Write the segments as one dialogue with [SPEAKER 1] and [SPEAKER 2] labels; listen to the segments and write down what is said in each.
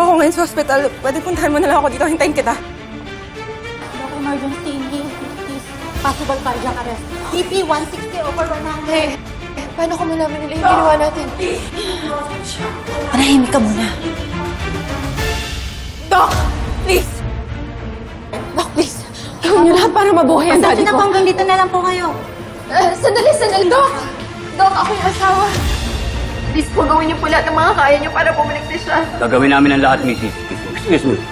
[SPEAKER 1] ako ngayon sa hospital. Pwede puntahan mo na lang ako dito. Hintayin kita.
[SPEAKER 2] Doc, emergency. Please. Possible cardiac arrest. BP 160 over 100.
[SPEAKER 3] Paano kung malaman nila yung ginawa natin?
[SPEAKER 2] Manahimik ka muna.
[SPEAKER 1] Doc! Please!
[SPEAKER 3] Doc, please. Gawin niyo lahat para mabuhay ang daddy
[SPEAKER 2] na po,
[SPEAKER 3] ko.
[SPEAKER 2] hanggang dito na lang po kayo.
[SPEAKER 3] Sandali, Doc! Doc, ako yung asawa. Please po, gawin niyo po lahat ng mga kaya niyo para bumalik na siya.
[SPEAKER 4] Gagawin namin ang lahat, Mrs. Excuse me.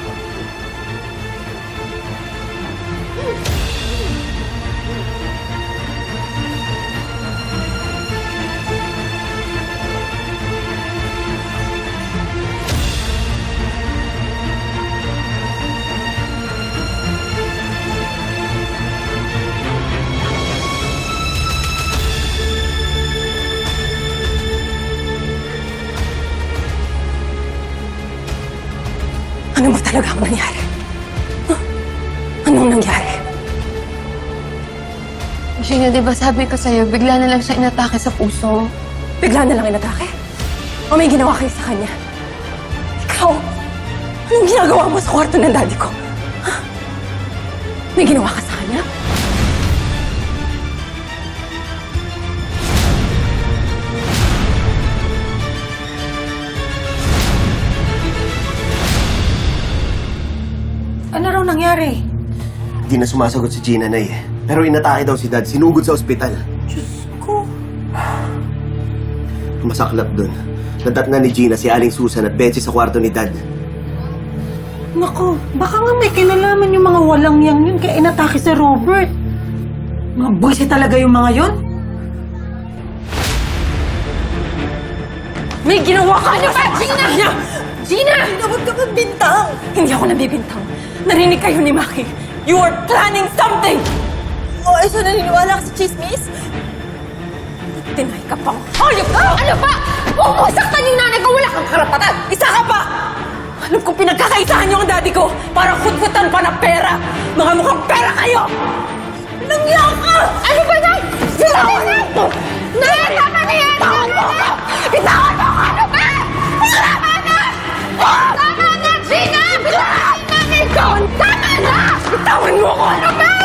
[SPEAKER 1] Ano ba talaga ang nangyari? Huh? Anong nangyari?
[SPEAKER 3] Gina, di ba sabi ko sa'yo, bigla na lang siya inatake sa puso.
[SPEAKER 1] Bigla na lang inatake? O may ginawa kayo sa kanya? Ikaw, anong ginagawa mo sa kwarto ng daddy ko? Huh? May ginawa ka sa kanya?
[SPEAKER 2] Ano raw nangyari?
[SPEAKER 5] Di na sumasagot si Gina, Nay. Pero inatake daw si Dad. Sinugod sa ospital.
[SPEAKER 2] Diyos ko.
[SPEAKER 5] Masaklap dun. Nadatnan ni Gina si Aling Susan at Betsy sa kwarto ni Dad.
[SPEAKER 2] Naku, baka nga may kinalaman yung mga walang yang yun kaya inatake si Robert. Mga buwisi talaga yung mga yon.
[SPEAKER 1] May ginawa ka! Ano ba? Gina! Gina!
[SPEAKER 2] Gina, huwag ka magbintang!
[SPEAKER 1] Hindi ako nabibintang. Narinig kayo ni Maki. You are planning something!
[SPEAKER 2] O, ay, so naniniwala ka sa chismis?
[SPEAKER 1] Tinay ka pang hayop ka! Ano ba? Huwag mo saktan yung nanay ko! Wala kang karapatan! Isa ka pa! Alam kong pinagkakaisahan niyo ang daddy ko para huthutan pa na pera! Mga mukhang pera kayo! Nangyak ka! Ano ba, Nay? Bitawan mo! Nay! Tama na yan! Bitawan mo ko! Bitawan mo ko! Ano ba? Tama na! Tama na, Gina! Bitawan mo ko! Tama na! Bitawan mo ko! Ano ba?